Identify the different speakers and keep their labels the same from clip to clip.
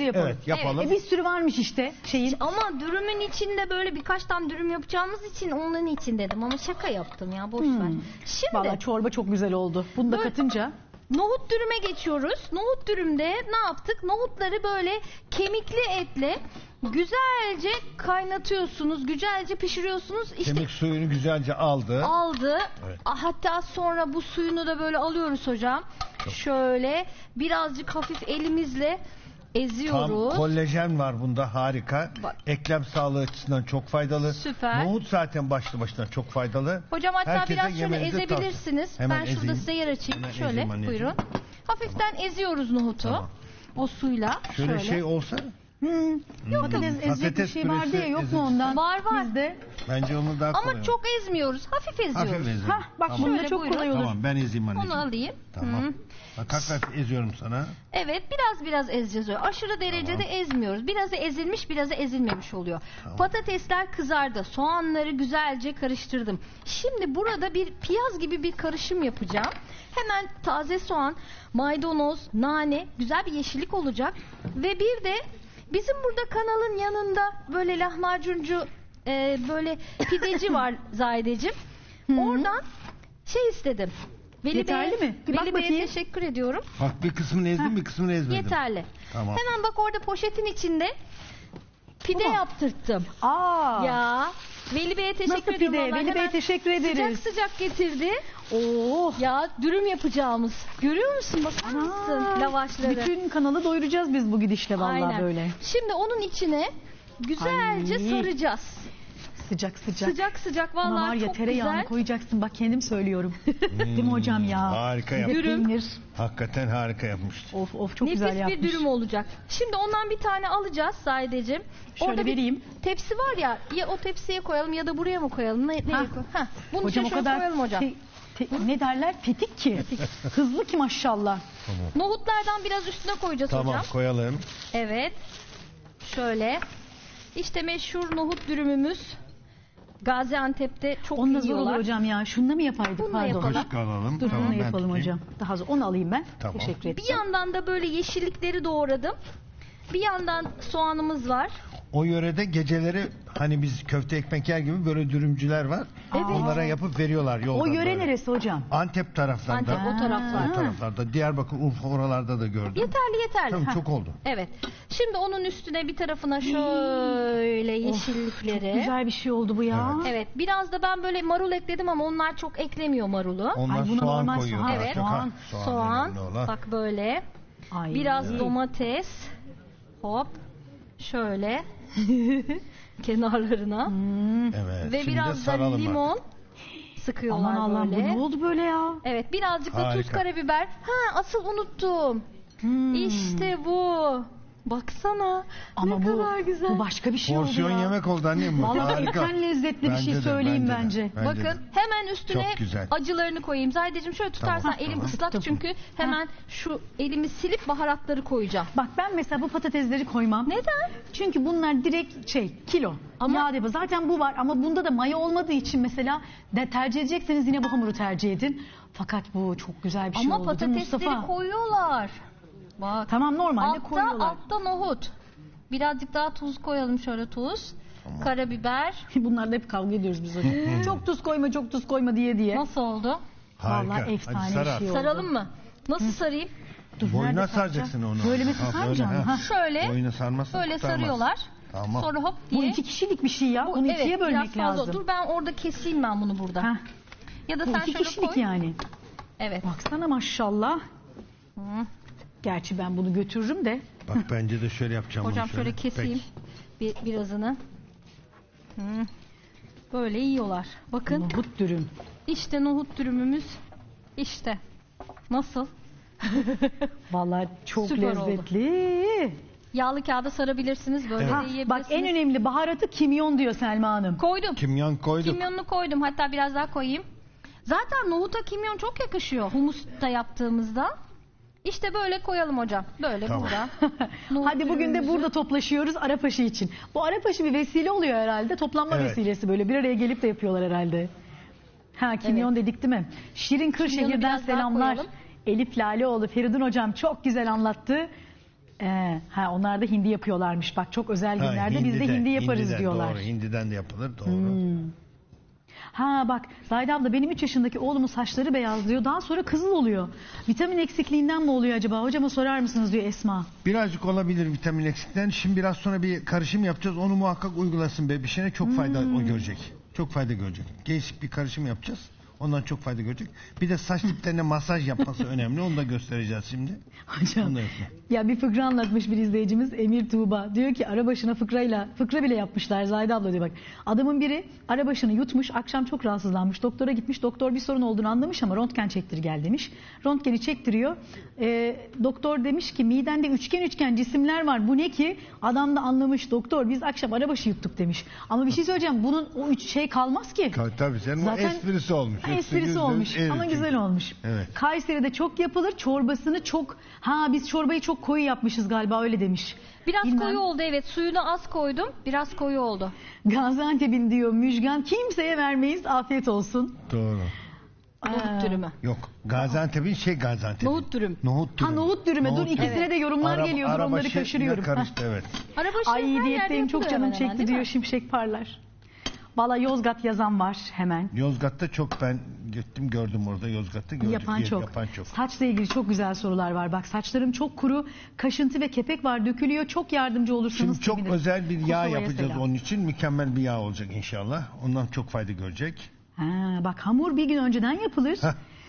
Speaker 1: yapalım.
Speaker 2: Evet, yapalım.
Speaker 1: Bir sürü varmış işte şeyin.
Speaker 3: Ama dürümün içinde böyle birkaç tane dürüm yapacağımız için onun için dedim ama şaka yaptım ya, boş ver. Şimdi
Speaker 1: Vallahi çorba çok güzel oldu. Bunu da
Speaker 3: Böyle-
Speaker 1: katınca.
Speaker 3: nohut dürüme geçiyoruz. Nohut dürümde ne yaptık? Nohutları böyle kemikli etle güzelce kaynatıyorsunuz, güzelce pişiriyorsunuz. İşte
Speaker 2: Kemik suyunu güzelce aldı.
Speaker 3: aldı.
Speaker 2: Evet.
Speaker 3: Hatta sonra bu suyunu da böyle alıyoruz hocam. Şöyle birazcık hafif elimizle
Speaker 2: Tam
Speaker 3: eziyoruz.
Speaker 2: kollajen var bunda, harika.
Speaker 3: Bak.
Speaker 2: Eklem sağlığı açısından çok faydalı.
Speaker 3: Süper.
Speaker 2: Nohut zaten başlı başına çok faydalı.
Speaker 3: Hocam hatta
Speaker 2: Herkese
Speaker 3: biraz şöyle
Speaker 2: yemenizi
Speaker 3: ezebilirsiniz.
Speaker 2: tavsiye- Hemen
Speaker 3: Ben şurada
Speaker 2: ezeyim.
Speaker 3: size yer açayım.
Speaker 2: Hemen
Speaker 3: Şöyle
Speaker 2: ezeyim anneciğim.
Speaker 3: buyurun. Hafiften eziyoruz nohutu.
Speaker 2: Tamam.
Speaker 3: O suyla.
Speaker 2: Şöyle şey olsa
Speaker 1: Patates ezecek bir şey vardı ya, yok mu ondan?
Speaker 3: Var.
Speaker 1: Bizde.
Speaker 2: bence onu daha kolay
Speaker 3: Ama çok ezmiyoruz. Hafif eziyoruz.
Speaker 2: hafif ezeyim.
Speaker 1: Hah bak
Speaker 2: Tamam.
Speaker 1: bunda
Speaker 3: Şöyle
Speaker 1: çok
Speaker 3: buyurun.
Speaker 1: kolay olur.
Speaker 2: Tamam, ben ezeyim anneciğim.
Speaker 3: Onu alayım.
Speaker 2: Tamam.
Speaker 3: Hı.
Speaker 2: Bak hafif eziyorum sana.
Speaker 3: Evet, biraz ezeceğiz öyle. Aşırı derecede ezmiyoruz. Birazı ezilmiş, birazı ezilmemiş oluyor.
Speaker 2: Tamam.
Speaker 3: Patatesler kızardı. Soğanları güzelce karıştırdım. Şimdi burada bir piyaz gibi bir karışım yapacağım. Hemen taze soğan, maydanoz, nane, güzel bir yeşillik olacak. Ve bir de bizim burada kanalın yanında böyle lahmacuncu, böyle pideci var Zahideciğim. Oradan şey istedim.
Speaker 1: Yeterli mi? Bir bak
Speaker 3: Veli Bey'e
Speaker 1: bakayım.
Speaker 3: teşekkür ediyorum.
Speaker 2: Bak bir kısmını ezdim, bir kısmını ezmedim.
Speaker 3: Yeterli.
Speaker 2: Tamam.
Speaker 3: Hemen bak orada poşetin içinde pide
Speaker 1: Tamam.
Speaker 3: yaptırttım.
Speaker 1: Aa.
Speaker 3: Ya Veli Bey'e teşekkür
Speaker 1: Nasıl
Speaker 3: ediyorum.
Speaker 1: pide?
Speaker 3: vallahi.
Speaker 1: Veli Bey'e
Speaker 3: Hemen
Speaker 1: teşekkür ederiz.
Speaker 3: Sıcak sıcak getirdi.
Speaker 1: Oo.
Speaker 3: Ya dürüm yapacağımız. Görüyor musun? Bakar mısın lavaşları?
Speaker 1: Bütün kanalı doyuracağız biz bu gidişle vallahi
Speaker 3: Aynen.
Speaker 1: böyle.
Speaker 3: Şimdi onun içine güzelce
Speaker 1: Ay.
Speaker 3: saracağız.
Speaker 1: Sıcak sıcak.
Speaker 3: Sıcak sıcak
Speaker 1: Buna
Speaker 3: vallahi
Speaker 1: var ya
Speaker 3: çok
Speaker 1: tereyağını
Speaker 3: güzel.
Speaker 1: koyacaksın, bak kendim söylüyorum. Değil mi hocam ya?
Speaker 2: Harika
Speaker 1: Bir de
Speaker 2: yapmış.
Speaker 3: Dürüm.
Speaker 1: peynir.
Speaker 2: Hakikaten harika yapmıştı.
Speaker 1: Of çok
Speaker 3: Nefis
Speaker 1: güzel yapmış.
Speaker 3: bir dürüm olacak. Şimdi ondan bir tane alacağız Zahideciğim.
Speaker 1: Şöyle
Speaker 3: Orada bir
Speaker 1: vereyim.
Speaker 3: tepsi var ya, ya o tepsiye koyalım ya da buraya mı koyalım? Nereye
Speaker 1: Hah.
Speaker 3: koyalım? Hah, bunun
Speaker 1: Hocam o
Speaker 3: içine şöyle
Speaker 1: kadar
Speaker 3: koyalım hocam.
Speaker 1: ne derler? Tetik ki. Hızlı ki maşallah.
Speaker 3: Nohutlardan biraz üstüne koyacağız
Speaker 2: Tamam,
Speaker 3: hocam.
Speaker 2: koyalım.
Speaker 3: Evet. Şöyle. İşte meşhur nohut dürümümüz. Gaziantep'te çok
Speaker 1: Onunla zor
Speaker 3: yiyorlar.
Speaker 1: olur hocam ya. Şununla mı yapaydık?
Speaker 3: Bununla
Speaker 1: Pardon.
Speaker 3: yapalım.
Speaker 2: Kaşık alalım.
Speaker 1: Dur
Speaker 2: Tamam,
Speaker 1: bunu
Speaker 2: ben
Speaker 1: yapalım
Speaker 2: tutayım.
Speaker 1: hocam. Daha zor. Onu alayım ben.
Speaker 2: Tamam.
Speaker 1: Teşekkür ederim.
Speaker 3: Bir yandan da böyle yeşillikleri doğradım. Bir yandan soğanımız var.
Speaker 2: O yörede geceleri hani biz köfte ekmek yer gibi böyle dürümcüler var.
Speaker 3: Evet.
Speaker 2: Onlara yapıp veriyorlar yolda.
Speaker 1: O yöre
Speaker 2: böyle.
Speaker 1: neresi hocam?
Speaker 2: Antep taraflarında.
Speaker 3: Antep o taraflar.
Speaker 2: O taraflarda. Diyarbakır, Urfa oralarda da gördüm.
Speaker 3: Yeterli.
Speaker 2: Tamam,
Speaker 3: Ha.
Speaker 2: çok oldu.
Speaker 3: Evet. Şimdi onun üstüne bir tarafına şöyle yeşillikleri.
Speaker 1: Güzel bir şey oldu bu ya.
Speaker 3: Evet. Biraz da ben böyle marul ekledim ama onlar çok eklemiyor marulu.
Speaker 2: Onlar
Speaker 1: Ay, buna
Speaker 2: soğan
Speaker 1: normal
Speaker 2: koyuyorlar.
Speaker 1: soğan.
Speaker 3: Evet.
Speaker 2: Çok, ha,
Speaker 3: Soğan.
Speaker 2: önemli olan.
Speaker 3: Bak böyle.
Speaker 1: Ay.
Speaker 3: Biraz domates. Hop. Şöyle. Kenarlarına.
Speaker 2: Evet.
Speaker 3: Ve
Speaker 2: şimdi
Speaker 3: biraz da
Speaker 2: saralım
Speaker 3: limon
Speaker 2: artık.
Speaker 3: sıkıyorlar
Speaker 1: Aman Allah'ım bu
Speaker 3: böyle.
Speaker 1: ne oldu böyle ya?
Speaker 3: Evet, birazcık da tuz,
Speaker 2: Harika.
Speaker 3: karabiber. Ha, asıl unuttum. İşte bu. Baksana.
Speaker 1: Ama
Speaker 3: ne
Speaker 1: bu,
Speaker 3: kadar güzel.
Speaker 1: bu başka bir şey
Speaker 2: Porsiyon
Speaker 1: oldu ya.
Speaker 2: yemek oldu annem bu.
Speaker 1: Vallahi
Speaker 2: Harika.
Speaker 1: en lezzetli bir
Speaker 2: Bence
Speaker 1: şey
Speaker 2: de,
Speaker 1: söyleyeyim
Speaker 2: de,
Speaker 1: bence.
Speaker 2: bence
Speaker 3: Bakın
Speaker 2: de.
Speaker 3: hemen üstüne
Speaker 2: Çok güzel.
Speaker 3: acılarını koyayım. Zahideciğim şöyle tutarsan
Speaker 2: Tamam,
Speaker 3: elim
Speaker 2: tamam.
Speaker 3: ıslak
Speaker 1: Tuttum.
Speaker 3: çünkü hemen şu elimi silip baharatları koyacağım.
Speaker 1: Bak ben mesela bu patatesleri koymam.
Speaker 3: Neden?
Speaker 1: Çünkü bunlar direkt kilo.
Speaker 3: Ama-
Speaker 1: Yağ depo. Zaten bu var ama bunda da maya olmadığı için mesela tercih edecekseniz yine bu hamuru tercih edin. Fakat bu çok güzel bir şey
Speaker 3: Ama
Speaker 1: oldu. Değil mi
Speaker 3: patatesleri
Speaker 1: Mustafa?
Speaker 3: koyuyorlar. Bak.
Speaker 1: Tamam normalde koyuyorlar.
Speaker 3: Altta nohut. Birazcık daha tuz koyalım, şöyle tuz. Karabiber.
Speaker 1: Bunlarla hep kavga ediyoruz biz hocam. Çok tuz koyma, çok tuz koyma diye.
Speaker 3: Nasıl oldu?
Speaker 2: Harika.
Speaker 1: Vallahi efsane
Speaker 2: Hadi
Speaker 1: bir
Speaker 2: sar
Speaker 1: şey
Speaker 2: artık.
Speaker 1: oldu.
Speaker 3: Saralım mı? Nasıl sarayım?
Speaker 1: Dur,
Speaker 2: Boyuna
Speaker 1: nerede
Speaker 2: saracaksın
Speaker 1: saracağım?
Speaker 2: onu.
Speaker 1: Böyle mi
Speaker 2: Ha,
Speaker 1: saracağım?
Speaker 2: böyle,
Speaker 1: Ha.
Speaker 3: Şöyle
Speaker 2: Boyuna sarmazsan
Speaker 3: böyle
Speaker 2: kurtarmaz.
Speaker 3: sarıyorlar.
Speaker 2: Tamam.
Speaker 3: Sonra hop
Speaker 1: Bu
Speaker 3: diye.
Speaker 1: 2 kişilik bir şey ya. Bunu
Speaker 3: evet,
Speaker 1: ikiye
Speaker 3: biraz
Speaker 1: bölmek
Speaker 3: fazla.
Speaker 1: lazım.
Speaker 3: Dur ben orada keseyim ben bunu burada.
Speaker 1: Heh,
Speaker 3: Ya da
Speaker 1: bu
Speaker 3: sen
Speaker 1: 2
Speaker 3: şöyle
Speaker 1: kişilik
Speaker 3: koy.
Speaker 1: yani.
Speaker 3: Evet.
Speaker 1: Baksana maşallah.
Speaker 3: Hı.
Speaker 1: Gerçi ben bunu götürürüm de.
Speaker 2: Bak bence de şöyle yapacağım.
Speaker 3: Hocam
Speaker 2: bunu
Speaker 3: şöyle keseyim birazını. Hı. Böyle yiyorlar. Bakın
Speaker 1: Nohut dürüm.
Speaker 3: işte nohut dürümümüz. İşte. Nasıl?
Speaker 1: Vallahi çok
Speaker 3: Süper oldu.
Speaker 1: lezzetli.
Speaker 3: Yağlı kağıda sarabilirsiniz. Böyle
Speaker 2: Evet.
Speaker 3: de
Speaker 1: Ha,
Speaker 3: yiyebilirsiniz.
Speaker 1: bak en önemli baharatı kimyon diyor Selma Hanım.
Speaker 3: Koydum.
Speaker 2: Kimyon koyduk.
Speaker 3: Kimyonunu koydum. Hatta biraz daha koyayım. Zaten nohuta kimyon çok yakışıyor humusta yaptığımızda. İşte böyle koyalım hocam. Böyle
Speaker 2: Tamam.
Speaker 3: burada. Nohut
Speaker 1: Hadi bugün de
Speaker 3: dürümümüzü-
Speaker 1: burada toplaşıyoruz Arapaşı için. Bu Arapaşı bir vesile oluyor herhalde. Toplanma
Speaker 2: Evet.
Speaker 1: vesilesi böyle bir araya gelip de yapıyorlar herhalde. Ha kimyon dedik değil mi? Şirin
Speaker 3: Kırşehir'den
Speaker 1: Kırşehir'den selamlar.
Speaker 3: koyalım.
Speaker 1: Elif Laleoğlu, Feridun hocam çok güzel anlattı. Onlar da hindi yapıyorlarmış. Bak çok özel günlerde biz de hindi yaparız
Speaker 2: hindiden,
Speaker 1: diyorlar.
Speaker 2: Doğru, hindiden de yapılır. Doğru.
Speaker 1: Bak Zahide abla benim 3 yaşındaki oğlumun saçları beyazlıyor. Daha sonra kızıl oluyor. Vitamin eksikliğinden mi oluyor acaba? Hocama sorar mısınız diyor Esma.
Speaker 2: Birazcık olabilir vitamin eksikliğinden. Şimdi biraz sonra bir karışım yapacağız. Onu muhakkak uygulasın bebişine. Çok fayda o görecek. Çok fayda görecek. Değişik bir karışım yapacağız. Ondan çok fayda görecek. Bir de saç diplerine masaj yapması önemli. Onu da göstereceğiz şimdi.
Speaker 1: Hocam
Speaker 2: Onu da yapma.
Speaker 1: ya bir fıkra anlatmış bir izleyicimiz Emir Tuğba. Diyor ki arabaşına fıkra bile yapmışlar Zahide abla diyor bak. Adamın biri arabaşını yutmuş akşam çok rahatsızlanmış. Doktora gitmiş doktor bir sorun olduğunu anlamış ama röntgen çektir gel demiş. Röntgeni çektiriyor. Doktor demiş ki midende üçgen cisimler var bu ne ki? Adam da anlamış doktor biz akşam arabaşı yuttuk demiş. Ama bir şey söyleyeceğim bunun o kalmaz ki.
Speaker 2: Tabii senin o esprisi olmuş.
Speaker 1: Esprisi olmuş ama güzel olmuş.
Speaker 2: Evet.
Speaker 1: Kayseri'de çok yapılır. Çorbasını çok... biz çorbayı çok koyu yapmışız galiba öyle demiş.
Speaker 3: Biraz
Speaker 1: Bilmem.
Speaker 3: koyu oldu evet. Suyunu az koydum. Biraz koyu oldu.
Speaker 1: Gaziantep'in diyor müjgan kimseye vermeyiz afiyet olsun.
Speaker 2: Doğru.
Speaker 3: Nohut dürümü.
Speaker 2: Yok. Gaziantep'in Gaziantep.
Speaker 3: Nohut dürüm.
Speaker 2: Nohut dürüm.
Speaker 1: Nohut dürüme. Dur ikisine de yorumlar geliyordur onları kaşırıyorum.
Speaker 2: Karıştı evet.
Speaker 3: Arabaşı her
Speaker 1: Ay
Speaker 3: yerde
Speaker 1: diyetteyim çok
Speaker 3: yapılıyor
Speaker 1: canım
Speaker 3: hemen hemen,
Speaker 1: çekti
Speaker 3: değil
Speaker 1: diyor
Speaker 3: mi?
Speaker 1: şimşek parlar. Valla Yozgat yazan var hemen.
Speaker 2: Yozgat'ta çok ben gittim gördüm orada Yozgat'ta gördüm.
Speaker 1: Yapan çok. Saçla ilgili çok güzel sorular var. Bak saçlarım çok kuru, kaşıntı ve kepek var dökülüyor. Çok yardımcı olursanız
Speaker 2: Şimdi çok
Speaker 1: sevinirim.
Speaker 2: özel bir yağ
Speaker 1: Kosova'ya
Speaker 2: yapacağız
Speaker 1: selam.
Speaker 2: onun için. Mükemmel bir yağ olacak inşallah. Ondan çok fayda görecek.
Speaker 1: Bak hamur bir gün önceden yapılır.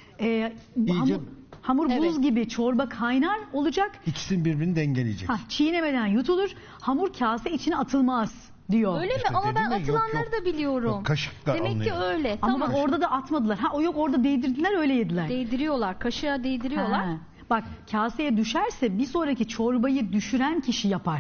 Speaker 1: Hamur buz
Speaker 3: Evet.
Speaker 1: gibi çorba kaynar olacak.
Speaker 2: İkisini birbirini dengeleyecek.
Speaker 1: Çiğnemeden yutulur. Hamur kase içine atılmaz diyor.
Speaker 3: Öyle mi?
Speaker 2: İşte
Speaker 3: Ama
Speaker 2: dedim
Speaker 3: ben
Speaker 2: ya, yok,
Speaker 3: atılanları
Speaker 2: yok.
Speaker 3: da biliyorum.
Speaker 2: Yok, kaşıkla
Speaker 3: Demek ki
Speaker 2: alınıyor.
Speaker 3: öyle.
Speaker 1: Ama
Speaker 3: Tamam.
Speaker 1: bak orada da atmadılar. O yok orada değdirdiler öyle yediler.
Speaker 3: Değdiriyorlar. Kaşığa değdiriyorlar.
Speaker 1: Bak kaseye düşerse bir sonraki çorbayı düşüren kişi yapar.